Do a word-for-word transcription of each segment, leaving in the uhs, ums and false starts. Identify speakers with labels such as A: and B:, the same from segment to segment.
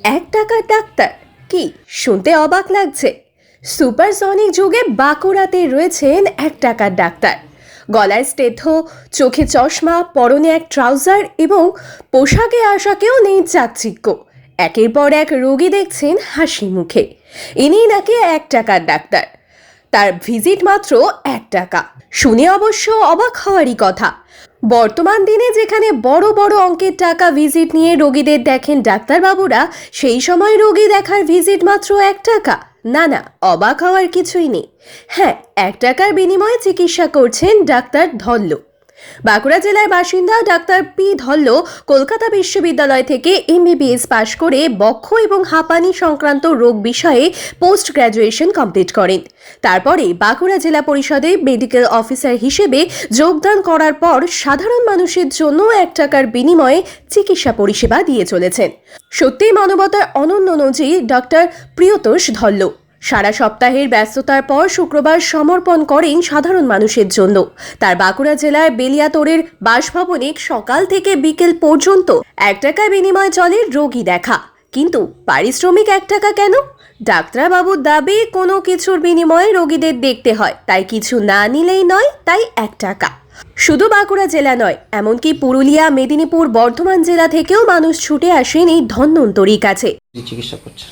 A: এক টাকার ডাক্তার কি শুনতে অবাক লাগছে। সুপারসনিক যুগে বাঁকুড়াতে রয়েছেন এক টাকার ডাক্তার। গলায় স্টেথো, চোখে চশমা, পরনে এক ট্রাউজার এবং পোশাকে আশাকেও নেই চাকচিক্য। একের পর এক রোগী দেখছেন হাসি মুখে। ইনি নাকি এক টাকার ডাক্তার। তার ভিজিট মাত্র এক টাকা। শুনে অবশ্য অবাক হওয়ারই কথা। বর্তমান দিনে যেখানে বড় বড় অঙ্কের টাকা ভিজিট নিয়ে রোগীদের দেখেন ডাক্তারবাবুরা, সেই সময় রোগী দেখার ভিজিট মাত্র এক টাকা। না না, অবাক হওয়ার কিছুই নেই। হ্যাঁ, এক টাকার বিনিময়ে চিকিৎসা করছেন ডাক্তার ধল্ল। বাঁকুড়া জেলার বাসিন্দা ডাক্তার পি ধল্ল কলকাতা বিশ্ববিদ্যালয় থেকে এমবিবিএস পাশ করে বক্ষ এবং হাঁপানি সংক্রান্ত রোগ বিষয়ে পোস্ট গ্র্যাজুয়েশন কমপ্লিট করেন। তারপরে বাঁকুড়া জেলা পরিষদে মেডিকেল অফিসার হিসেবে যোগদান করার পর সাধারণ মানুষের জন্য এক টাকার বিনিময়ে চিকিৎসা পরিষেবা দিয়ে চলেছেন। সত্যিই মানবতার অনন্য নজির ডক্টর প্রিয়তোষ ধল্ল। সারা সপ্তাহের ব্যস্ততার পর শুক্রবার সমর্পণ করেন সাধারণ মানুষের জন্য। তার বাঁকুড়া জেলার বেলিয়াতোড়ের বাসভবনে সকাল থেকে বিকেল পর্যন্ত এক টাকার বিনিময়ে চলে রোগী দেখা। কিন্তু পারিশ্রমিক এক টাকা কেন? ডাক্তারবাবুর দাবি কোনো কিছুর বিনিময়ে রোগীদের দেখতে হয়, তাই কিছু না নিলেই নয়, তাই এক টাকা। শুধু বাঁকুড়া জেলা নয়, এমনকি পুরুলিয়া, মেদিনীপুর, বর্ধমান জেলা থেকেও মানুষ ছুটে আসেন এই ধন্বন্তরীর কাছে।
B: চিকিৎসা করছে।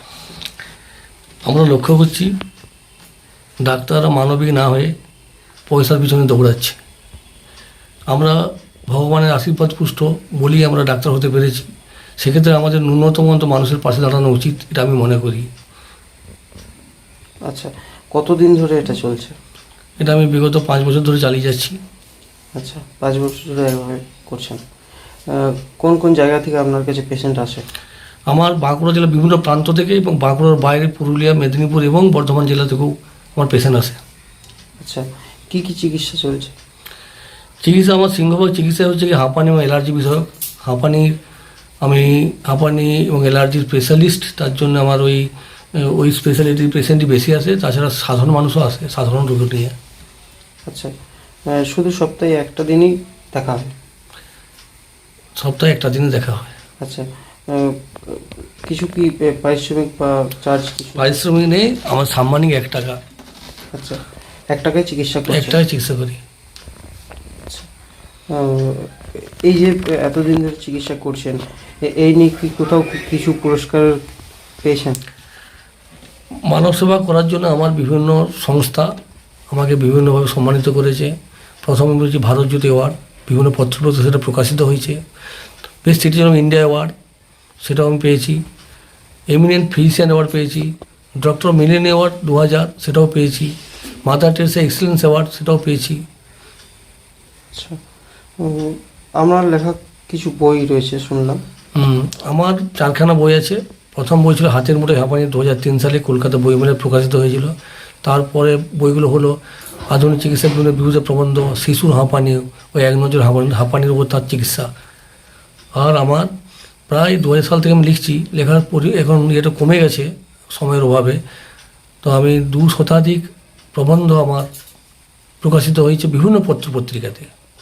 C: আমরা লক্ষ্য করছি ডাক্তাররা মানবিক না হয়ে পয়সার পিছনে দৌড়াচ্ছে। আমরা ভগবানের আশীর্বাদ পুষ্ট বলেই আমরা ডাক্তার হতে পেরেছি। সেক্ষেত্রে আমাদের ন্যূনতম অন্ত মানুষের পাশে দাঁড়ানো উচিত, এটা আমি মনে করি।
B: আচ্ছা, কতদিন ধরে এটা চলছে?
C: এটা আমি বিগত পাঁচ বছর ধরে চালিয়ে যাচ্ছি।
B: আচ্ছা, পাঁচ বছর ধরে এভাবে করছেন। কোন কোন জায়গা থেকে আপনার কাছে পেশেন্ট আসে?
C: আমার বাঁকুড়া জেলার বিভিন্ন প্রান্ত থেকে এবং বাঁকুড়ার বাইরে পুরুলিয়া, মেদিনীপুর এবং বর্ধমান জেলা থেকেও আমার পেশেন্ট আসে।
B: আচ্ছা, কি কি চিকিৎসা চলছে?
C: চিকিৎসা আমার সিংহভাগ চিকিৎসা হচ্ছে কি হাঁপানি এবং অ্যালার্জি বিষয়ক। হাঁপানির আমি হাঁপানি এবং অ্যালার্জির স্পেশালিস্ট, তার জন্য আমার ওই ওই স্পেশালিটির পেশেন্টই বেশি আসে। তাছাড়া সাধারণ মানুষও আসে, সাধারণ রোগ নিয়ে।
B: আচ্ছা, শুধু সপ্তাহে একটা দিনই দেখা হয়?
C: সপ্তাহে একটা দিনে দেখা হয়।
B: আচ্ছা, কিছু কি পারিশ্রমিক বা চার্জ?
C: পারিশ্রমিক নেই, আমার সাম্মানিক এক টাকা।
B: আচ্ছা, এক টাকায় চিকিৎসা করছেন?
C: এক টাকায় চিকিৎসা করি।
B: আচ্ছা, এই যে এতদিন ধরে চিকিৎসা করছেন, এই নিয়ে কি কোথাও কিছু পুরস্কার পেয়েছেন?
C: মানব সেবা করার জন্য আমার বিভিন্ন সংস্থা আমাকে বিভিন্নভাবে সম্মানিত করেছে। প্রথমে বলছি ভারত জ্যোতি অ্যাওয়ার্ড, বিভিন্ন পত্রপত্র সেটা প্রকাশিত হয়েছে। Best citizen of India award, সেটাও আমি পেয়েছি। এমিনেন্ট ফিজিশিয়ান অ্যাওয়ার্ড পেয়েছি। ডক্টর মিলেন অ্যাওয়ার্ড দু হাজার, সেটাও পেয়েছি। মাদার টেরেসা এক্সেলেন্স অ্যাওয়ার্ড, সেটাও পেয়েছি।
B: আচ্ছা, আমার লেখা কিছু বই রয়েছে শুনলাম।
C: হুম আমার চারখানা বই আছে। প্রথম বই ছিল হাতের মুঠোয় হাঁপানি, দু হাজার তিন সালে কলকাতা বইমেলায় প্রকাশিত হয়েছিল। তারপরে বইগুলো হলো আধুনিক চিকিৎসার বিভিন্ন বিভূত প্রবন্ধ, শিশুর হাঁপানি, ওই এক নজর হাঁপানি হাঁপানির উপর তার চিকিৎসা। আর আমার প্রায় দু হাজার সাল থেকে আমি লিখছি। লেখার পরি এখন এটা কমে গেছে সময়ের অভাবে। তো আমি দু শতাধিক প্রবন্ধ আমার প্রকাশিত হয়েছে বিভিন্ন পত্র পত্রিকাতে।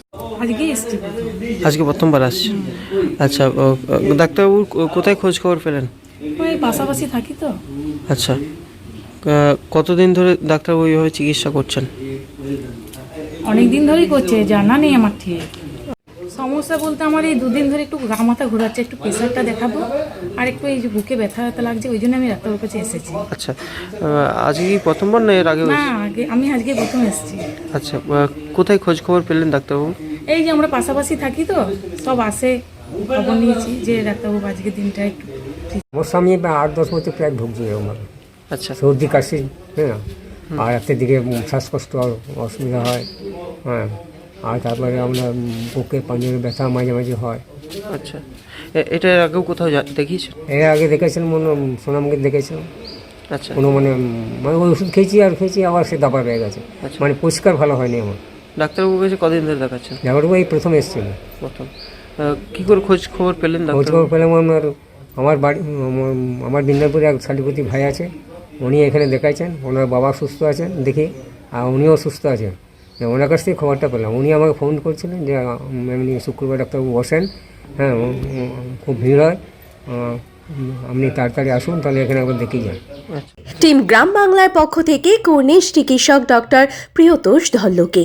B: আজকে প্রথমবার আসছি। আচ্ছা, ডাক্তারবাবুর কোথায় খোঁজ খবর পেলেন?
D: ওই পাশাপাশি থাকি তো।
B: আচ্ছা, কতদিন ধরে ডাক্তারবাবু এইভাবে চিকিৎসা করছেন?
D: অনেক দিন ধরেই করছে, জানা নেই আমার ঠিক। সমস্যা বলতে আমার এই দুদিন ধরে একটু গা মাথা ঘোরাচ্ছে, একটু প্রেশারটা দেখাবো, আর একটু এই যে বুকে ব্যথা ব্যথা লাগছে, ওই জন্য আমি ডাক্তারবাবুর কাছে এসেছি।
B: আচ্ছা, আজকে কি প্রথমবার না এর আগে?
D: না, আগে আমি আজকে প্রথম এসেছি।
B: আচ্ছা, কোথায় খোঁজ খবর পেলেন ডাক্তারবাবু?
D: এই যে আমরা পাশাপাশি থাকি তো, সব আসে, খবর নিয়েছি যে ডাক্তারবাবু আজকে দিনটা একটু।
E: আমার স্বামী আট দশ বছর প্রায় ভুগছি আমার।
B: আচ্ছা,
E: সর্দি কাশি, হ্যাঁ, আর রাতের দিকে শ্বাসকষ্ট অসুবিধা হয়, হ্যাঁ, আর তারপরে আমরা বুকে পাঞ্জরে ব্যথা মাঝে মাঝে হয়।
B: আচ্ছা, এটা এর আগেও কোথাও দেখিয়েছেন?
E: এর আগে দেখেছেন মনে সোনামকে দেখেছেন।
B: আচ্ছা,
E: কোনো মানে মানে ওই ওষুধ খেয়েছি আর খেয়েছি আবার সে দাবা রয়ে গেছে।
B: আচ্ছা,
E: মানে পরিষ্কার ভালো হয়নি আমার।
B: ডাক্তারবাবুর কাছে কদিন ধরে দেখাচ্ছেন?
E: ডাক্তারবাবু এই প্রথম এসেছিল।
B: প্রথম কী করে খোঁজ খবর পেলেন?
E: খোঁজ খবর পেলাম আমার আমার বাড়ি আমার দিনাজপুরে এক শালীপতি ভাই আছে, উনি এখানে দেখাইছেন। ওনার বাবা সুস্থ আছেন দেখি, আর উনিও সুস্থ আছেন। ওনার কাছ থেকে খবরটা পেলাম। উনি আমাকে ফোন করছিলেন যে এমনি শুক্রবার ডাক্তারবাবু বসেন, হ্যাঁ, খুব ভিড় হয়, উম, আপনি তাড়াতাড়ি আসুন, তাহলে এখানে একবার দেখে যান।
B: আচ্ছা।
A: টিম গ্রাম বাংলার পক্ষ থেকে কর্নিশ চিকিৎসক ডক্টর প্রিয়তোষ ধল্লকে।